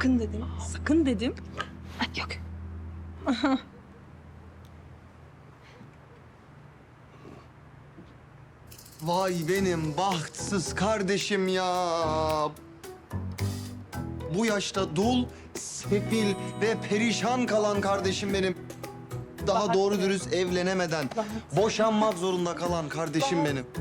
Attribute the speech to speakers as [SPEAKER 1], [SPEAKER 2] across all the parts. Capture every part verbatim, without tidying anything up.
[SPEAKER 1] Sakın dedim. Sakın dedim. Ay, yok.
[SPEAKER 2] Vay benim bahtsız kardeşim ya. Bu yaşta dul, sefil ve perişan kalan kardeşim benim. Daha
[SPEAKER 1] Bahattin.
[SPEAKER 2] doğru dürüst evlenemeden
[SPEAKER 1] Bahattin.
[SPEAKER 2] boşanmak zorunda kalan kardeşim
[SPEAKER 1] Bahattin.
[SPEAKER 2] benim.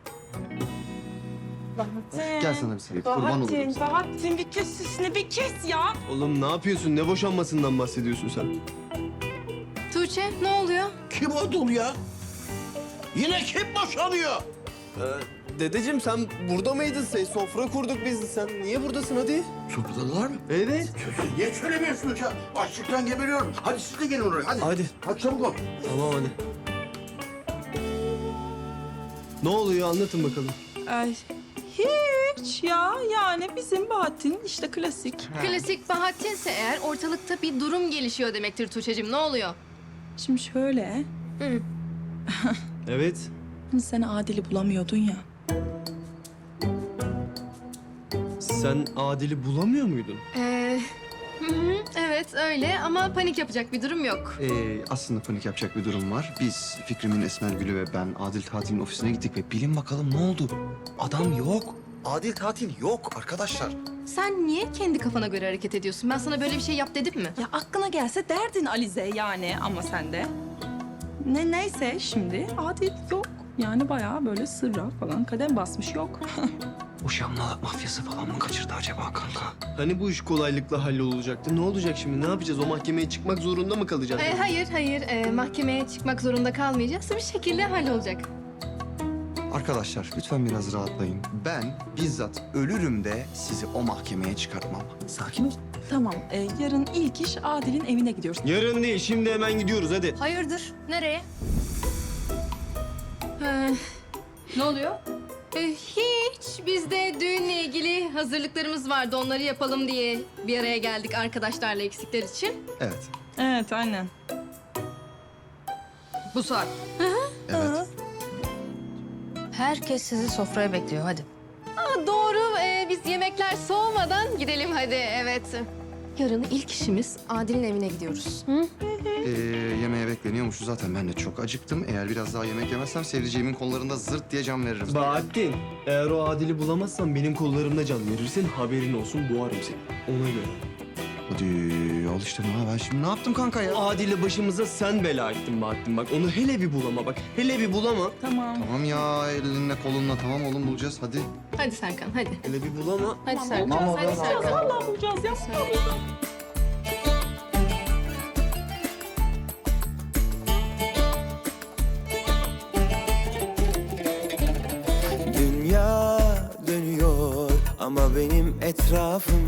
[SPEAKER 1] Bahattin.
[SPEAKER 2] Gel sana bir seveyim, kurban olurum
[SPEAKER 1] Bahattin,
[SPEAKER 2] sana.
[SPEAKER 1] Bahattin bir kes sesini bir kes ya.
[SPEAKER 3] Oğlum ne yapıyorsun? Ne boşanmasından bahsediyorsun sen?
[SPEAKER 4] Tuğçe ne oluyor?
[SPEAKER 5] Kim o dul ya? Yine kim boşanıyor?
[SPEAKER 3] Ee, dedeciğim sen burada mıydın? Sen, sofra kurduk biz. Sen niye buradasın hadi?
[SPEAKER 5] Sorudalar mı?
[SPEAKER 3] Evet.
[SPEAKER 5] Niye söylemiyorsunuz ya? Açlıktan geberiyorum. Hadi siz de gelin oraya hadi.
[SPEAKER 3] Hadi.
[SPEAKER 5] Hadi çabuk ol.
[SPEAKER 3] Tamam hadi. Ne oluyor anlatın bakalım.
[SPEAKER 1] Ay, hiç ya. Yani bizim Bahattin işte klasik.
[SPEAKER 4] Klasik Bahattin'se eğer ortalıkta bir durum gelişiyor demektir Tuğçe'cim. Ne oluyor?
[SPEAKER 1] Şimdi şöyle.
[SPEAKER 4] Hı.
[SPEAKER 3] Evet.
[SPEAKER 1] Hani sen Adil'i bulamıyordun ya.
[SPEAKER 3] Sen Adil'i bulamıyor muydun?
[SPEAKER 4] Ee, hı hı, evet öyle ama panik yapacak bir durum yok.
[SPEAKER 2] Ee, aslında panik yapacak bir durum var. Biz Fikrim'in Esmer Gülü ve ben Adil Tatil'in ofisine gittik ve bilin bakalım ne oldu? Adam yok. Adil Tatil yok arkadaşlar.
[SPEAKER 4] Sen niye kendi kafana göre hareket ediyorsun? Ben sana böyle bir şey yap dedim mi?
[SPEAKER 1] Ya aklına gelse derdin Alize yani ama sen de. Ne neyse şimdi Adil yok. Yani bayağı böyle sırra falan kadem basmış yok.
[SPEAKER 2] Boşanma mafyası falan mı kaçırdı acaba kanka?
[SPEAKER 3] Hani bu iş kolaylıkla hallolacaktı? Ne olacak şimdi? Ne yapacağız? O mahkemeye çıkmak zorunda mı kalacağız?
[SPEAKER 4] Ee, hayır hayır Ee, mahkemeye çıkmak zorunda kalmayacağız. Bir şekilde hallolacak.
[SPEAKER 2] Arkadaşlar lütfen biraz rahatlayın. Ben bizzat ölürüm de sizi o mahkemeye çıkartmam. Sakin ol.
[SPEAKER 1] Tamam e, yarın ilk iş Adil'in evine gidiyoruz.
[SPEAKER 3] Yarın değil, şimdi hemen gidiyoruz hadi.
[SPEAKER 4] Hayırdır? Nereye? Ee, ne oluyor? Ee, hiç. Biz de düğünle ilgili hazırlıklarımız vardı. Onları yapalım diye bir araya geldik arkadaşlarla eksikler için.
[SPEAKER 2] Evet.
[SPEAKER 1] Evet aynen.
[SPEAKER 4] Bu saat.
[SPEAKER 2] Evet.
[SPEAKER 6] Herkes sizi sofraya bekliyor, hadi.
[SPEAKER 4] Aa, doğru. Ee, biz yemekler soğumadan gidelim hadi. Evet. Yarın ilk işimiz Adil'in evine gidiyoruz. Hı?
[SPEAKER 2] Ee, yemeğe bekleniyormuşuz zaten. Ben de çok acıktım. Eğer biraz daha yemek yemezsem sevdiceğimin kollarında zırt diye can veririm.
[SPEAKER 3] Bahattin, eğer o Adil'i bulamazsan benim kollarımda can verirsin. Haberin olsun, boğarım seni. Ona göre.
[SPEAKER 2] Hadi al işte ne ben şimdi ne yaptım kanka ya?
[SPEAKER 3] Adil'i başımıza sen bela ettin Bahattin bak. Onu hele bir bulama bak. Hele bir bulama.
[SPEAKER 1] Tamam.
[SPEAKER 2] Tamam ya elinle kolunla tamam oğlum bulacağız hadi.
[SPEAKER 4] Hadi Serkan hadi.
[SPEAKER 3] Hele bir bulama.
[SPEAKER 4] Hadi Serkan.
[SPEAKER 2] Tamam,
[SPEAKER 4] Hadi
[SPEAKER 2] tamam.
[SPEAKER 4] Serkan.
[SPEAKER 1] Vallahi bulacağız ya.
[SPEAKER 7] Dünya dönüyor ama benim etrafım